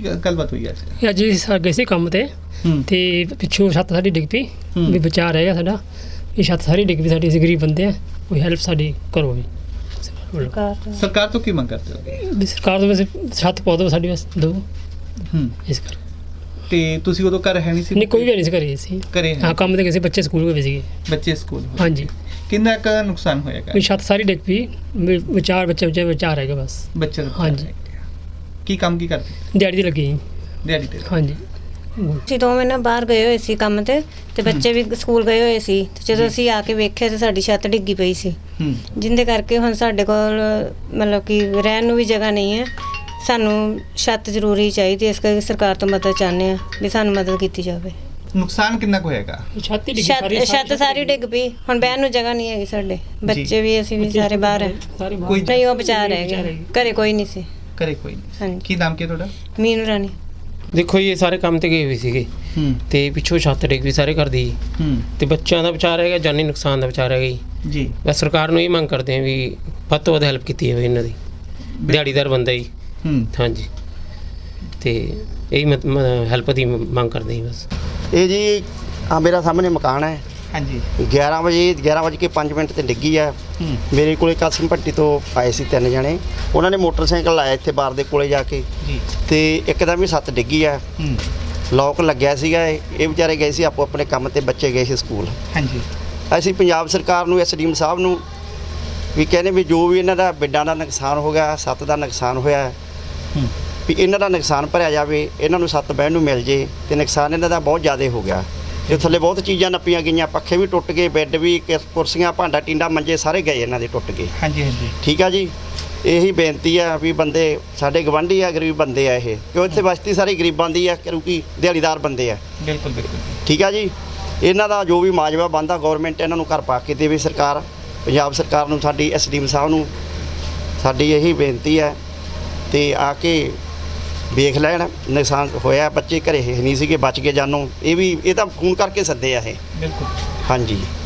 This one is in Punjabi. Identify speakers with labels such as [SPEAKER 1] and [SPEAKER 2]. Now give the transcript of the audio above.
[SPEAKER 1] ਗੱਲਬਾਤ ਹੋਈ ਅੱਜ?
[SPEAKER 2] ਅੱਜ ਅਸੀਂ ਗਏ ਸੀ ਕੰਮ ਤੇ ਪਿੱਛੋਂ ਛੱਤ ਸਾਡੀ ਡਿੱਗ ਪਈ ਵੀ ਬਚਾ ਰਹਿ ਗਿਆ ਸਾਡਾ। ਇਹ ਛੱਤ ਸਾਰੀ ਡਿੱਗ ਪਈ ਸਾਡੀ, ਅਸੀਂ ਗਰੀਬ ਬੰਦੇ ਆ, ਕੋਈ ਹੈਲਪ ਸਾਡੀ ਕਰੋ ਵੀ।
[SPEAKER 1] ਸਰਕਾਰ ਤੋਂ ਕੀ ਮੰਗ ਕਰਦੇ ਹੋ?
[SPEAKER 2] ਵੀ ਸਰਕਾਰ ਤੋਂ ਵੈਸੇ ਛੱਤ ਪਾ ਦਿਓ ਸਾਡੀ, ਬਸ ਦੋ ਇਸ ਕਰ।
[SPEAKER 1] ਤੇ ਤੁਸੀਂ ਉਦੋਂ ਘਰ ਹੈ ਨਹੀਂ ਸੀ?
[SPEAKER 2] ਨਹੀਂ, ਕੋਈ ਵੀ ਨਹੀਂ ਸੀ ਘਰੇ ਸੀ।
[SPEAKER 1] ਘਰੇ
[SPEAKER 2] ਹਾਂ, ਕੰਮ ਤੇ ਗਏ ਸੀ, ਬੱਚੇ ਸਕੂਲ ਗਏ ਸੀਗੇ।
[SPEAKER 1] ਬੱਚੇ ਸਕੂਲ?
[SPEAKER 2] ਹਾਂਜੀ।
[SPEAKER 1] ਕਿੰਨਾ ਕੁ ਨੁਕਸਾਨ ਹੋਏਗਾ?
[SPEAKER 2] ਵੀ ਛੱਤ ਸਾਰੀ ਡਿੱਗ ਪਈ, ਵਿਚਾਰ ਬੱਚੇ ਵਿਚਾਰ ਹੈਗਾ ਬਸ।
[SPEAKER 1] ਬੱਚੇ?
[SPEAKER 2] ਹਾਂਜੀ।
[SPEAKER 1] ਕੀ ਕੰਮ ਕੀ ਕਰਦੇ?
[SPEAKER 2] ਦਿਹਾੜੀ ਤੇ ਲੱਗੀ।
[SPEAKER 1] ਦਿਹਾੜੀ ਤੇ?
[SPEAKER 2] ਹਾਂਜੀ।
[SPEAKER 3] ਅਸੀਂ 2 ਮਹੀਨੇ ਬਾਹਰ ਗਏ ਹੋਏ ਸੀ ਕੰਮ ਤੇ ਬੱਚੇ ਵੀ ਸਕੂਲ ਗਏ ਹੋਏ ਸੀ ਤੇ ਜਦੋਂ ਅਸੀਂ ਆ ਕੇ ਵੇਖਿਆ ਤੇ ਸਾਡੀ ਛੱਤ ਡਿੱਗੀ ਪਈ ਸੀ, ਜਿੰਦੇ ਕਰਕੇ ਹੁਣ ਸਾਡੇ ਕੋਲ ਮਤਲਬ ਕਿ ਰਹਿਣ ਨੂੰ ਵੀ ਜਗ੍ਹਾ ਨਹੀਂ ਹੈ। ਸਾਨੂੰ ਛੱਤ ਜ਼ਰੂਰੀ ਚਾਹੀਦੀ, ਇਸ ਕਰਕੇ ਸਰਕਾਰ ਤੋਂ ਮਦਦ ਚਾਹੁੰਦੇ ਆ ਵੀ ਸਾਨੂੰ ਮਦਦ ਕੀਤੀ ਜਾਵੇ।
[SPEAKER 1] ਨੁਕਸਾਨ ਕਿੰਨਾ ਕੁ ਹੋਏਗਾ?
[SPEAKER 3] ਛੱਤ ਸਾਰੀ ਡਿੱਗ ਪਈ, ਹੁਣ ਬਹਿਣ ਨੂੰ ਜਗ੍ਹਾ ਨਹੀਂ ਹੈਗੀ। ਸਾਡੇ ਬੱਚੇ ਵੀ ਅਸੀਂ ਵੀ ਸਾਰੇ ਬਾਹਰ ਹੈ।
[SPEAKER 1] ਕੋਈ
[SPEAKER 3] ਨਹੀਂ, ਉਹ ਬਚਾ ਰਹਿ ਗਿਆ, ਘਰੇ ਕੋਈ ਨਹੀਂ ਸੀ।
[SPEAKER 1] ਘਰੇ ਕੋਈ ਨਹੀਂ?
[SPEAKER 3] ਹਾਂਜੀ।
[SPEAKER 1] ਕੀ ਨਾਮ ਕੀ ਤੁਹਾਡਾ?
[SPEAKER 3] ਮੀਨੂ ਰਾਣੀ।
[SPEAKER 4] ਦੇਖੋ ਜੀ, ਇਹ ਸਾਰੇ ਕੰਮ ਤੇ ਗਏ ਹੋਏ ਸੀਗੇ ਤੇ ਪਿੱਛੋਂ ਛੱਤ ਡਿੱਗ ਵੀ ਸਾਰੇ ਘਰ ਦੀ ਤੇ ਬੱਚਿਆਂ ਦਾ ਬਚਾਅ ਰਹੇਗਾ, ਜਾਨੀ ਨੁਕਸਾਨ ਦਾ ਬਚਾਅ ਰਹੇਗਾ ਜੀ। ਬਸ ਸਰਕਾਰ ਨੂੰ ਇਹ ਮੰਗ ਕਰਦੇ ਆ ਵੀ ਵੱਧ ਤੋਂ ਵੱਧ ਹੈਲਪ ਕੀਤੀ ਜਾਵੇ ਇਹਨਾਂ ਦੀ। ਦਿਹਾੜੀਦਾਰ ਬੰਦਾ ਜੀ। ਹਾਂਜੀ, ਤੇ ਇਹੀ ਹੈਲਪ ਦੀ ਮੰਗ ਕਰਦੇ ਜੀ ਬਸ।
[SPEAKER 5] ਇਹ ਜੀ ਮੇਰਾ ਸਾਹਮਣੇ ਮਕਾਨ ਹੈ।
[SPEAKER 1] ਹਾਂਜੀ।
[SPEAKER 5] 11:05 ਤੇ ਡਿੱਗੀ ਆ। ਮੇਰੇ ਕੋਲੇ ਕਾਸਿਮ ਭੱਟੀ ਤੋਂ ਆਏ ਸੀ 3 ਜਣੇ, ਉਹਨਾਂ ਨੇ ਮੋਟਰਸਾਈਕਲ ਲਾਇਆ ਇੱਥੇ ਬਾਰ ਦੇ ਕੋਲੇ ਜਾ ਕੇ ਤੇ ਇੱਕਦਮ ਹੀ ਛੱਤ ਡਿੱਗੀ ਆ। ਲੋਕ ਲੱਗਿਆ ਸੀਗਾ, ਇਹ ਵਿਚਾਰੇ ਗਏ ਸੀ ਆਪੋ ਆਪਣੇ ਕੰਮ ਤੇ, ਬੱਚੇ ਗਏ ਸੀ ਸਕੂਲ।
[SPEAKER 1] ਹਾਂਜੀ।
[SPEAKER 5] ਅਸੀਂ ਪੰਜਾਬ ਸਰਕਾਰ ਨੂੰ, ਐਸਡੀਐਮ ਸਾਹਿਬ ਨੂੰ ਵੀ ਕਹਿੰਦੇ ਵੀ ਜੋ ਵੀ ਇਹਨਾਂ ਦਾ ਬਿੱਡਾਂ ਦਾ ਨੁਕਸਾਨ ਹੋ ਗਿਆ, ਛੱਤ ਦਾ ਨੁਕਸਾਨ ਹੋਇਆ, ਵੀ ਇਹਨਾਂ ਦਾ ਨੁਕਸਾਨ ਭਰਿਆ ਜਾਵੇ, ਇਹਨਾਂ ਨੂੰ ਛੱਤ ਬਹਿਣ ਨੂੰ ਮਿਲ ਜੇ। ਤੇ ਨੁਕਸਾਨ ਇਹਨਾਂ ਦਾ ਬਹੁਤ ਜ਼ਿਆਦਾ ਹੋ ਗਿਆ ਤੇ ਥੱਲੇ ਬਹੁਤ ਚੀਜ਼ਾਂ ਨੱਪੀਆਂ ਗਈਆਂ, ਪੱਖੇ ਵੀ ਟੁੱਟ ਗਏ, ਬੈੱਡ ਵੀ, ਕੁਰਸੀਆਂ, ਭਾਂਡਾ ਟੀਂਡਾ, ਮੰਜੇ ਸਾਰੇ ਗਏ ਇਹਨਾਂ ਦੇ, ਟੁੱਟ ਗਏ।
[SPEAKER 1] ਹਾਂਜੀ ਹਾਂਜੀ।
[SPEAKER 5] ਠੀਕ ਆ ਜੀ। ਇਹੀ ਬੇਨਤੀ ਆ ਵੀ ਬੰਦੇ ਸਾਡੇ ਗਵਾਂਢੀ ਆ, ਗਰੀਬ ਬੰਦੇ ਆ ਇਹ, ਕਿਉਂ ਇੱਥੇ ਬਸਤੀ ਸਾਰੀ ਗਰੀਬਾਂ ਦੀ ਆ, ਕਿਉਂਕਿ ਦਿਹਾੜੀਦਾਰ ਬੰਦੇ ਆ।
[SPEAKER 1] ਬਿਲਕੁਲ ਬਿਲਕੁਲ। ਠੀਕ
[SPEAKER 5] ਆ ਜੀ। ਇਹਨਾਂ ਦਾ ਜੋ ਵੀ ਮਾਜਵਾ ਬਣਦਾ ਗੌਰਮੈਂਟ ਇਹਨਾਂ ਨੂੰ ਘਰ ਪਾ ਕੇ ਦੇਵੇ। ਸਰਕਾਰ, ਪੰਜਾਬ ਸਰਕਾਰ ਨੂੰ, ਸਾਡੀ ਐਸਡੀਐਮ ਸਾਹਿਬ ਨੂੰ ਸਾਡੀ ਇਹੀ ਬੇਨਤੀ ਹੈ ਤੇ ਆ ਕੇ ਵੇਖ ਲੈਣ। ਨੁਕਸਾਨ ਹੋਇਆ, ਬੱਚੇ ਘਰੇ ਨਹੀਂ ਸੀਗੇ, ਬਚ ਗਏ ਜਾਨੋਂ। ਇਹ ਤਾਂ ਫੋਨ ਕਰਕੇ ਸੱਦੇ ਆ ਇਹ।
[SPEAKER 1] ਬਿਲਕੁਲ।
[SPEAKER 5] ਹਾਂਜੀ।